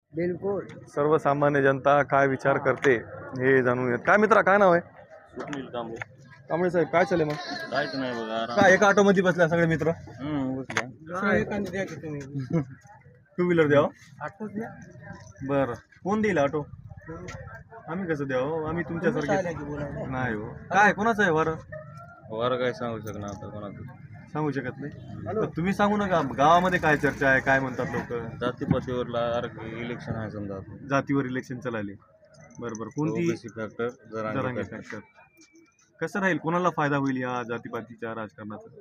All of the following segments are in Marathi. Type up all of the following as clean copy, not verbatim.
बिलकुल. सर्वसामान्य जनता काय विचार करते हे जाणून घेत. काय मित्रा, काय नाव आहे? सुनील कांबळे. कांबळे साहेब, काय चालेल मग? काहीच नाही बघा, आराम. काय एका ऑटो मध्ये बसल्या सगळे मित्र? बसल्या. टू व्हीलर द्यावं. आठवत द्या. बरं, कोण देईल ऑटो? आम्ही कसं द्यावं? आम्ही तुमच्यासारखे नाही हो. काय कोणाचं आहे वारं? वारं काय सांगू शकणार आता कोणाचं. सांगू शकत नाही. तर तुम्ही सांगू नका. गावामध्ये काय चर्चा आहे, काय म्हणतात लोक? जातीपातीवरला इलेक्शन आहे समजा. जातीवर इलेक्शन चालले. बरोबर. कोणती? Factor Jarange factor. कसं राहील, कोणाला फायदा होईल या जातीपातीच्या राजकारणाचा?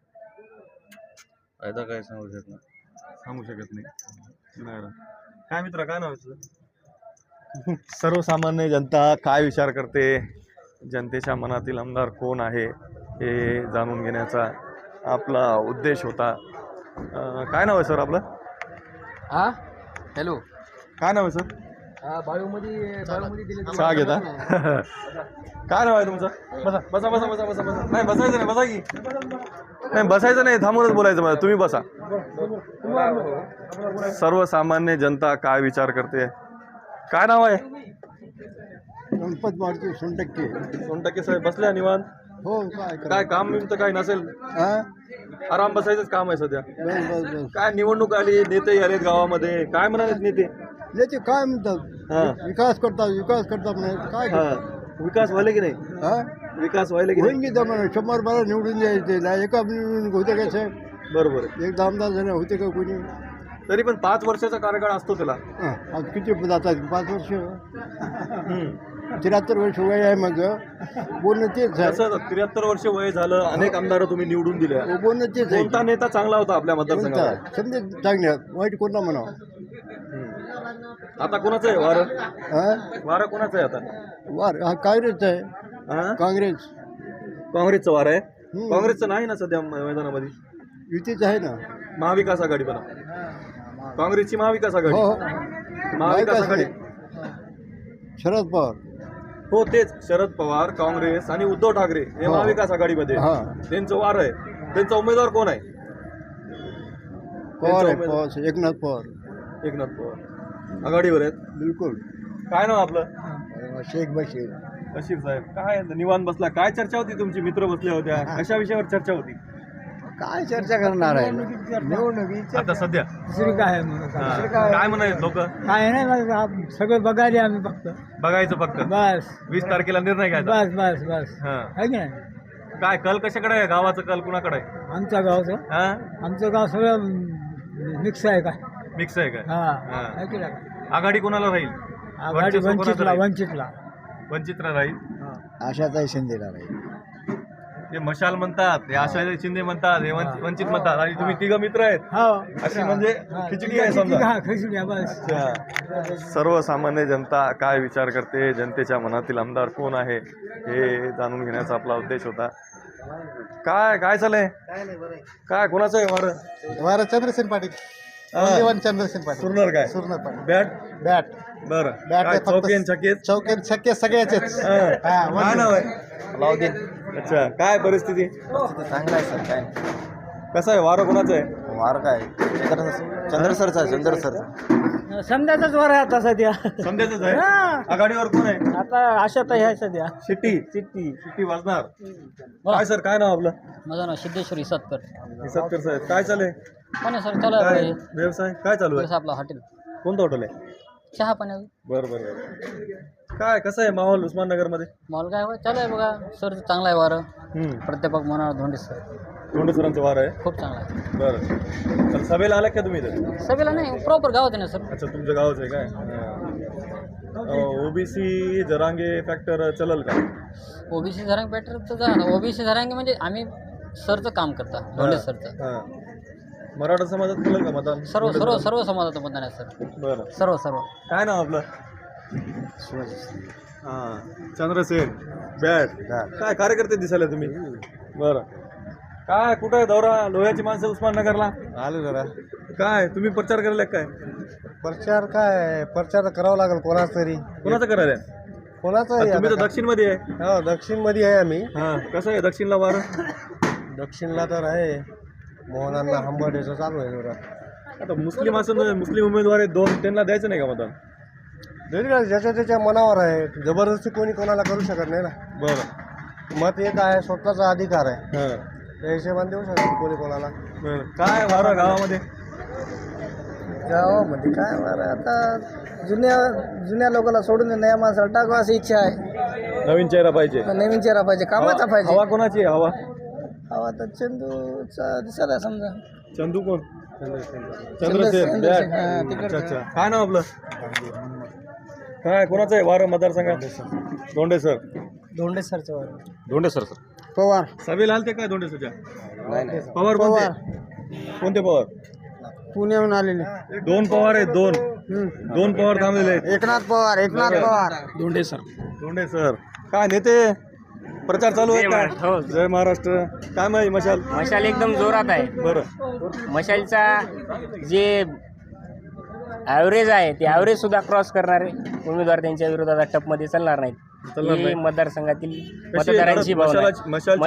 फायदा काय सांगू शकणार. सांगू शकत नाही. बरं. काय मित्र, काय नाव आहे तुझं? सर्वसामान्य जनता काय विचार करते, जनतेच्या मनातील आमदार कोण आहे हे जाणून घेण्याचा आपला उद्देश होता. काय नाव आहे सर आपलं? हा हॅलो. काय नाव आहे सर? बाळूमध्ये दिले. चहा घेता? काय नाव आहे तुमचं? बसा बसा बसा बसा बसा बसा. नाही बसायचं नाही, बसा की. नाही बसायचं नाही, थांबूनच बोलायचं मला. तुम्ही बसा. सर्वसामान्य जनता काय विचार करते, काय नाव आहे? गणपत मारती सोनटक्के. सोनटक्के साहेब बसल्या निवांत. हो. काय काम बिम तर काही नसेल, आराम बसायचंच काम आहे सध्या. बस. काय निवडणूक आली, नेते आलेत गावामध्ये, काय म्हणालेत नेते? याचे काय म्हणतात? हा विकास करतात म्हणे. काय हा. विकास व्हायला की नाही? हा विकास व्हायला की नाही? होईन की जमाना 100 निवडून द्यायचे ना. एका होते का साहेब? बरोबर आहे. एक आमदार झाले होते का कोणी? तरी पण 5 वर्षाचा कार्यकाळ असतो त्याला. आज किती जातात? 5 वर्ष. 73 वर्ष वय आहे. मग बोलणं तेच आहे. कसं 73 वर्ष वय झालं, अनेक आमदार तुम्ही निवडून दिले. बोलणं तेच आहे. कोणता नेता चांगला होता आपल्या मतदारसंघात? समजे चांगले वाईट कोणता म्हणावं? आता कोणाचं आहे वारं? वारं कोणाचं आहे आता? वार हा काँग्रेस आहे. हा? काँग्रेस काँग्रेसचं वारं आहे. काँग्रेसचं नाही ना सध्या मैदानामध्ये. युतीच आहे ना. महाविकास आघाडी बना. काँग्रेसची महाविकास आघाडी. हो. महाविकास आघाडी. शरद पवार. हो तेच, शरद पवार, काँग्रेस आणि उद्धव ठाकरे हे महाविकास आघाडीमध्ये. हा. त्यांचं वार आहे. त्यांचा उमेदवार कोण आहे? पवार आहे. उमेदवार. पवार एकनाथ पवार. एकनाथ पवार आघाडीवर आहेत. बिलकुल. काय नाव आपलं? शेख बशीर. बशीर साहेब, काय निवांत बसला? काय चर्चा होती? तुमची मित्र बसल्या होत्या, कशा विषयावर चर्चा होती? काय चर्चा करणार आहे? निवडणुकीची आता सध्या दुसरी काय म्हणून काय म्हणाले लोक? काय नाही, सगळं बघायला आम्ही फक्त बघायचं फक्त. बस 20 तारखेला निर्णय घ्यायचा. बस हा. आहे की नाही? काय कल कशाकडे आहे? गावाचं कल कुणाकडे आहे? आमच्या गावचं हा? आमचं गाव सगळं मिक्स आहे का? मिक्स आहे काय? हा. हा. आहे की नाही? आघाडी कोणाला राहील? आघाडी वर्चस्व कोणाचं वंचितला राहील? वंचितला राहील. आशाताई शिंदेला राहील. ते मशाल म्हणतात, हे आशाताई शिंदे म्हणतात, हे वंचित म्हणतात, आणि तुम्ही तिघ मित्र आहेत. अशी म्हणजे खिचडी आहे समजा. खिचडी बस. अच्छा. सर्वसामान्य जनता काय विचार करते, जनतेच्या मनातील आमदार कोण आहे हे जाणून घेण्याचा आपला उद्देश होता. काय काय चाललंय? काय कोणाचं आहे वारं? वारा चंद्रसेन पाटील. चंद्रसेन पाटील. सुरणार काय? सुरणार पाटील. बॅट बॅट बरं. बॅट काय फक्त- चौकीन छकेत? चौकेत शक्य सगळ्याचेच. काय नाव आहे? लावदीन. अच्छा. काय परिस्थिती? चांगला आहे सर. काय कसं आहे वारं कोणाचं आहे? वार काय चंद्रसरचा. समजाचाच वार आहे आता सध्या. समजायचंच आहे. आघाडीवर कोण आहे? आता आशाताई आहे सध्या. शिट्टी वाजणार. काय सर, काय नाव आपलं? माझं नाव सिद्धेश्वरी सतकर. सत्तर साहेब, काय चालू पण सर चालू काय आहे व्यवसाय काय चालू आहे? आपलं हॉटेल कोणतं हॉटेल आहे? चहा पाण्या बरं बरं बरं. काय कसं आहे माहोल उस्माननगर मध्ये? मॉल काय चालू आहे बघा सर. चांगला आहे वारं. प्राध्यापक मनोहर धोंडे सर धोंडे सरांचं वार आहे. खूप चांगला आहे. बरं. तर सभेला आला का तुम्ही इथे? सगळ्याला नाही प्रॉपर गावात आहे ना सर. अच्छा, तुमच्या गावच आहे काय? ओबीसी जरांगे फॅक्टर चलल का? ओबीसी झरांग पॅटर तर जा. ओबीसी झरांगे म्हणजे आम्ही सरचं काम करता. धोंडे सरचं. हां. मराठा समाजात चलल का मतदान? सर्व सर्व सर्व समाजाचं मतदान आहे सर. बरं. सर्व सर्व. काय नाव आपलं? हां, चंद्रसेन. बॅट. काय कार्यकर्ते दिसायला तुम्ही? बरं. काय कुठं आहे दौरा? लोह्याची माणसं उस्माननगरला आलो जरा. काय तुम्ही प्रचार करायला काय? प्रचार करावा लागेल कोणाच तरी. कोणाचं करायला? कोणाचं? तुम्ही तर दक्षिण मध्ये आहे. हो, दक्षिण मध्ये आहे आम्ही. हा, कसं आहे दक्षिणला वारं? दक्षिणला तर आहे मोहनांना हंबर्डेचं चालू आहे जरा. आता मुस्लिम असून मुस्लिम उमेदवार आहेत दोन, त्यांना द्यायचं नाही का मतदान? देईल का? ज्याच्या त्याच्या मनावर आहे, जबरदस्ती कोणी कोणाला करू शकत नाही ना. बरं. मत एक आहे, स्वतःचा अधिकार आहे, हां. त्या हिशोबाने देऊ शकत कोणी कोणाला. बरं. काय वारं गावामध्ये? गावामध्ये काय बरं आता जुन्या लोकांना सोडून नया माणसाला टाकावं अशी इच्छा आहे. नवीन चेहरा पाहिजे. नवीन चेहरा पाहिजे, कामाचा पाहिजे. हवा कोणाची आहे? हवा हवा तर चंदूचा दिसत आहे समजा. चंदू कोण? चंद्रसेन, चंद्रसेन. हां, अच्छा तिकडचं. अच्छा. काय नाव आपलं? काय कोणाचं आहे वारं मतदारसंघात? धोंडे सर. धोंडे सरचं धोंडे सर. पवार. सभेला आलते काय धोंडे सरच्या? पवार कोणते? कोणते पवार? पुण्याहून आलेले. दोन पवार आहेत, दोन पवार थांबलेले आहेत. एकनाथ पवार. धोंडे सर. धोंडे सर. काय नेते प्रचार चालू आहे का? जय महाराष्ट्र. काय माहिती मशाल? मशाल एकदम जोरात आहे. बरं. मशालचा जे ॲव्हरेज आहे ते ॲव्हरेज सुद्धा क्रॉस करणारे उमेदवार त्यांच्या विरोधात टपमध्ये चालणार नाहीत. ही मतदारसंघातील मतदारांची भावना आहे.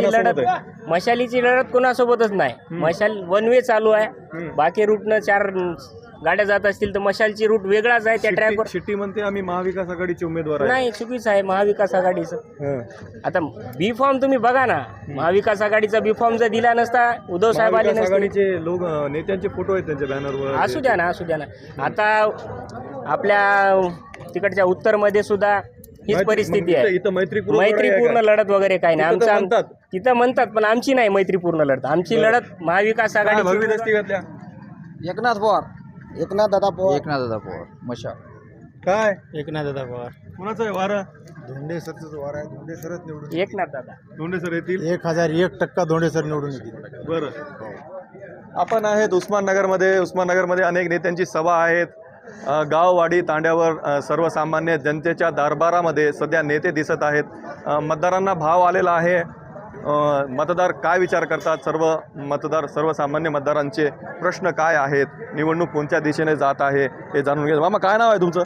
मशालीची लढत कोणासोबतच नाही. मशाल वन वे चालू आहे. बाकी रूटनं 4 गाड्या जात असतील तर मशालची रूट वेगळाच आहे. त्या ट्रॅकवर शिट्टी म्हणते आम्ही महाविकास आघाडीचे उमेदवार आहे. नाही, चुकीचं आहे महाविकास आघाडीचं. हं. आता बी फॉर्म तुम्ही बघा ना, महाविकास आघाडीचा बी फॉर्म जर दिला नसता उद्धव साहेब आले महाविकास नसते. आघाडीचे लोक नेत्यांचे फोटो आहेत त्यांच्या बॅनरवर. असू द्या ना. आता आपल्या तिकडच्या उत्तरमध्ये सुद्धा हीच परिस्थिती आहे. इथं मैत्रीपूर्ण लढत वगैरे काही नाही. तिथं म्हणतात. तिथं म्हणतात, पण आमची नाही मैत्रीपूर्ण लढत. आमची लढत महाविकास आघाडी. भगवी दस्ती घातल्या. एकनाथ पवार. एकनाथ दादा पवार. मशा. काय एकनाथ दादा पवार. कोणाचं आहे वारं? धोंडे सरच वार आहे. धोंडे सरच निवडून एकनाथ दादा. धोंडे सर येतील. 1001% धोंडे सर निवडून येतील. बरं. आपण आहेत उस्माननगरमध्ये. उस्माननगरमध्ये अनेक नेत्यांची सभा आहेत. गाववाडी तांड्यावर सर्वसामान्य जनतेच्या दरबारामध्ये सध्या नेते दिसत आहेत. मतदारांना भाव आलेला आहे. मतदार काय विचार करतात, सर्वसामान्य मतदारांचे प्रश्न काय आहेत, निवडणूक कोणत्या दिशेने जात आहे हे जाणून घ्या. मामा काय नाव आहे तुमचं?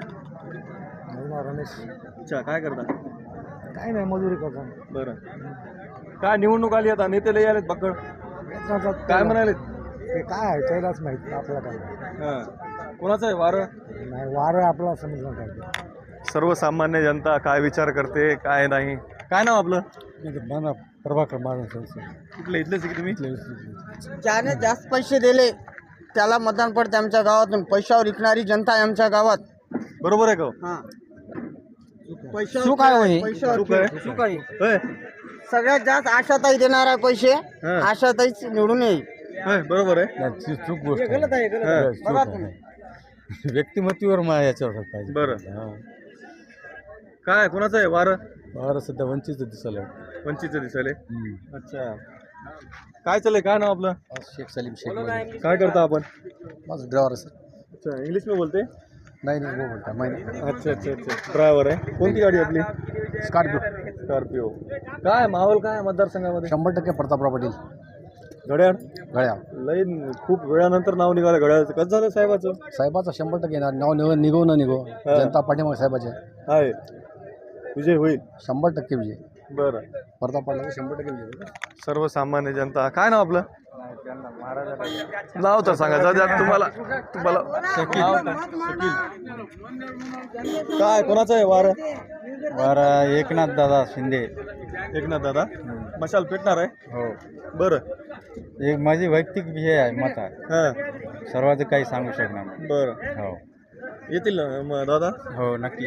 रमेश. अच्छा, काय करता? काय नाही, मजुरी करतो. बरं. काय निवडणूक आली आता, नेते लई आलेत पकड. काय म्हणाले? ते काय आहे त्यालाच माहिती, आपल्याला काय. हां. कोणाचं आहे वारं? नाही, वारं आपला समजलं पाहिजे. सर्वसामान्य जनता काय विचार करते काय नाही. काय नाव आपलं? प्रभाकर माझा. कुठले इथलेच की तुम्ही? ज्याने जास्त पैसे दिले त्याला मतदान पडते. आमच्या गावातून पैशावर विकणारी जनता आहे आमच्या गावात. बरोबर आहे का? सुख आहे होय. चूक आहे. सुख आहे. होय. सगळ्यात जास्त आशाताई देणार आहे पैसे. हां. आशाताईच निवडून येईल. होय, बरोबर आहे. चूक गोष्ट गलत आहे. हां. बघा तुम्ही. व्यक्तिमत्वावर याच्यावर पाहिजे. बरं. काय कोणाचं आहे वारं? वारं सध्या वंचित दिसायला. वंचितचं दिसायले. अच्छा. काय चाललंय? काय नाव आपलं? शेख सलीम शेख. काय करता आपण? माझं ड्रायव्हर सर. अच्छा, इंग्लिश में बोलते? नाही वो बोलता मैं. अच्छा अच्छा अच्छा. ड्रायव्हर आहे. कोणती गाडी आपली? स्कॉर्पिओ. काय माहोल काय आहे मतदारसंघामध्ये? 100% प्रतापराव पाटील. घड्याळ गळ्या लई खूप वेळानंतर नाव निघालं घड्याळाचं. कसं झालं साहेबाचं? साहेबाचा 100% येणार. नाव निघो न निघो, जनता पाठीमागे साहेबाचे आहे. विजय होईल 100% विजय. बरं. प्रताप पाटलाचा 100% विजय. सर्वसामान्य जनता. काय नाव आपलं? नाव तर सांगा दादा. तुम्हाला काय कोणाचं आहे वारं? बरं, एकनाथ दादा शिंदे. एकनाथ दादा. मशाल पेटणार आहे. हो. बरं. एक माझी वैयक्तिक विषय आहे, मत आहे. हां. सर्वांचं काही सांगू शकणार नाही. बरं. हो येतील ना मग दादा? हो नक्की.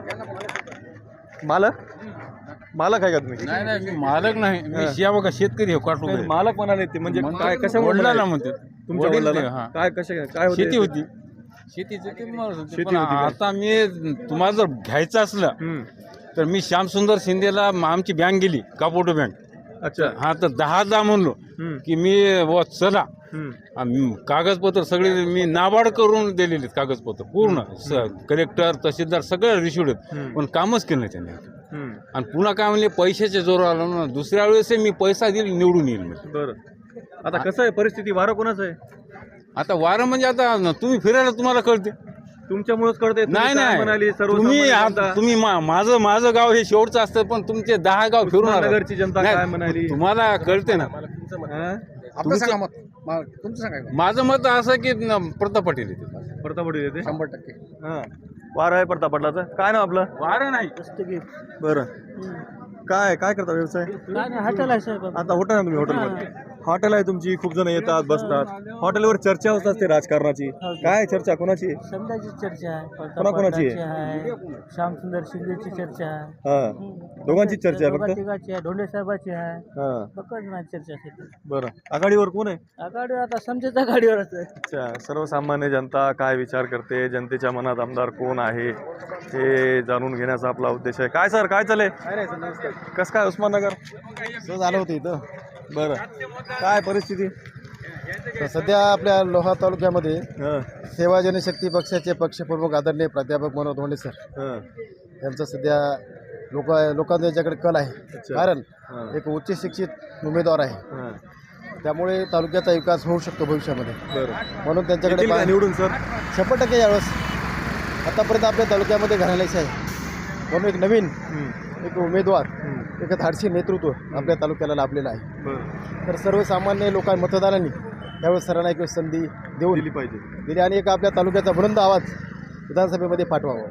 मालक आहे का तुम्ही? नाही मी मालक नाही. मी शिया बघा शेतकरी काटू. नाही, मालक म्हणाले ते म्हणजे काय कशामुळे वडिलांना म्हणते. तुमच्या वडील वडिलांना? ते, हां. काय काय होते? शेती होती. शेतीचं ते म्हणत होते. शेती पण होती का? आता मी तुम्हाला जर घ्यायचं असलं हम्म. तर मी श्यामसुंदर शिंदेला आमची बँक गेली कापोटो बँक. अच्छा. हा तर 10 म्हणलो हम्म. की मी चला हम्म. कागदपत्र सगळे मी नाबार्ड करून दिलेले कागदपत्र पूर्ण. कलेक्टर तहसीलदार सगळं रिसिव्ह आहेत, पण कामच केलं नाही त्यांनी. हम्म. आणि पुन्हा काय म्हणले पैशाच्या जोरावर आलो ना, दुसऱ्या वेळेस मी पैसा देईल निवडून येईल म्हणजे. बरं. आता कसं आहे परिस्थिती? वारं कोणाचं आहे? आता वारं म्हणजे आता तुम्ही फिरायला तुम्हाला कळते. तुमच्यामुळेच कळते. नाही म्हणाली तुम्ही माझं गाव हे शेवटचं असतं, पण तुमचे 10 गाव फिरून आला. नगरची जनता काय म्हणाली? तुम्हाला कळते ना. हां? आपलं सांगा मत तुमचं सांगा माझं मत असं की प्रताप पाटील येते. प्रताप पाटील येते 100%. हां वार आहे प्रताप पाटलाचं. काय नाव आपलं? वारं नाही बरं काय करता व्यवसाय? हॉटेल आहे साहेब. आता हॉटेल आहे तुम्ही हॉटेलवर. हॉटेल आहे तुमची, खूप जण येतात बसतात. हॉटेलवर चर्चा होत असते राजकारणाची. काय चर्चा कोणाची? समजाची चर्चा आहे, कोणाकोणाची आहे? आहे, श्यामसुंदर शिंदेची चर्चा आहे, हां दोघांची चर्चा आहे फक्त. तिघाची आहे, धोंडे साहेबाची आहे, हां बघत नाही चर्चा सध्या. बरं आघाडीवर कोण आहे? आघाडीवर आता समजेच्या गाडीवरच आहे. अच्छा सर्वसामान्य जनता काय विचार करते, जनतेच्या मनात आमदार कोण आहे हे जाणून घेण्याचा आपला उद्देश आहे. काय सर काय चालय? कसं काय उस्माननगर? सहज आलं होतं इथं. बरं काय परिस्थिती? तर सध्या आपल्या लोहा तालुक्यामध्ये हां सेवा जनशक्ती पक्षाचे पक्षप्रमुख आदरणीय प्राध्यापक मनोहर धोंडे सर हां यांचं सध्या लोकांचा याच्याकडे कल आहे. अच्छा. कारण हां एक उच्च शिक्षित उमेदवार आहे, हां त्यामुळे तालुक्याचा विकास होऊ शकतो भविष्यामध्ये. बरं म्हणून त्यांच्याकडे येतील का निवडून सर? 100% यावेळेस. आतापर्यंत आपल्या तालुक्यामध्ये घराण्याचे आहे, म्हणून एक नवीन एक उमेदवार, एक धाडसी नेतृत्व आपल्या तालुक्याला लाभलेलं आहे. बरं तर सर्वसामान्य मतदारांनी त्यावेळेस सरांना एक संधी देऊन दिली पाहिजे. दिली आणि एक आपल्या तालुक्याचा बुलंद आवाज विधानसभेमध्ये पाठवावा.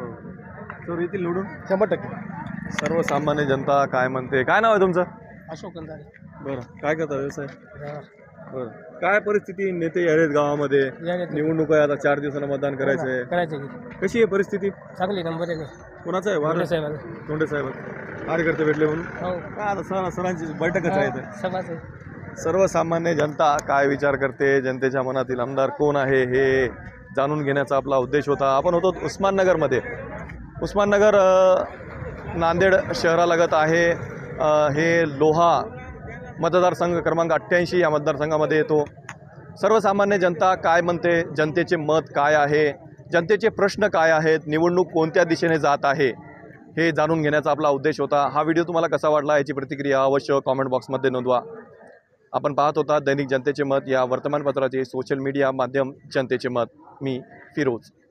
सर येतील निवडून 100%. सर्वसामान्य जनता काय म्हणते? काय नाव आहे तुमचं? अशोक कंदारे. बरं काय करता व्यवसाय? बरं काय परिस्थिती? नेते आहेत गावामध्ये, निवडणूक आहे आता, 4 दिवसाला मतदान करायचं आहे. करायचं की कशी आहे परिस्थिती? चांगली नंबर आहे. कोणाचं आहे वार? साहेब धोंडे साहेब कार्यकर्ते भेटले म्हणून हो काय आता सरांची बैठकच आहे इथे. समाज सर्वसामान्य जनता काय विचार करते, जनतेच्या मनातील आमदार कोण आहे हे जाणून घेण्याचा आपला उद्देश होता. आपण होतो उस्माननगरमध्ये. उस्माननगर नांदेड शहरालगत आहे. हे लोहा मतदारसंघ क्रमांक 88 या मतदारसंघामध्ये येतो. सर्वसामान्य जनता काय म्हणते, जनतेचे मत काय आहे, जनतेचे प्रश्न काय आहेत, निवडणूक कोणत्या दिशेने जात आहे हे जाणून घेण्याचा आपला उद्देश होता. हा व्हिडिओ तुम्हाला कसा वाटला याची प्रतिक्रिया अवश्य कॉमेंट बॉक्समध्ये नोंदवा. आपण पाहत होता दैनिक जनतेचे मत या वर्तमानपत्राचे सोशल मीडिया माध्यम जनतेचे मत. मी फिरोज.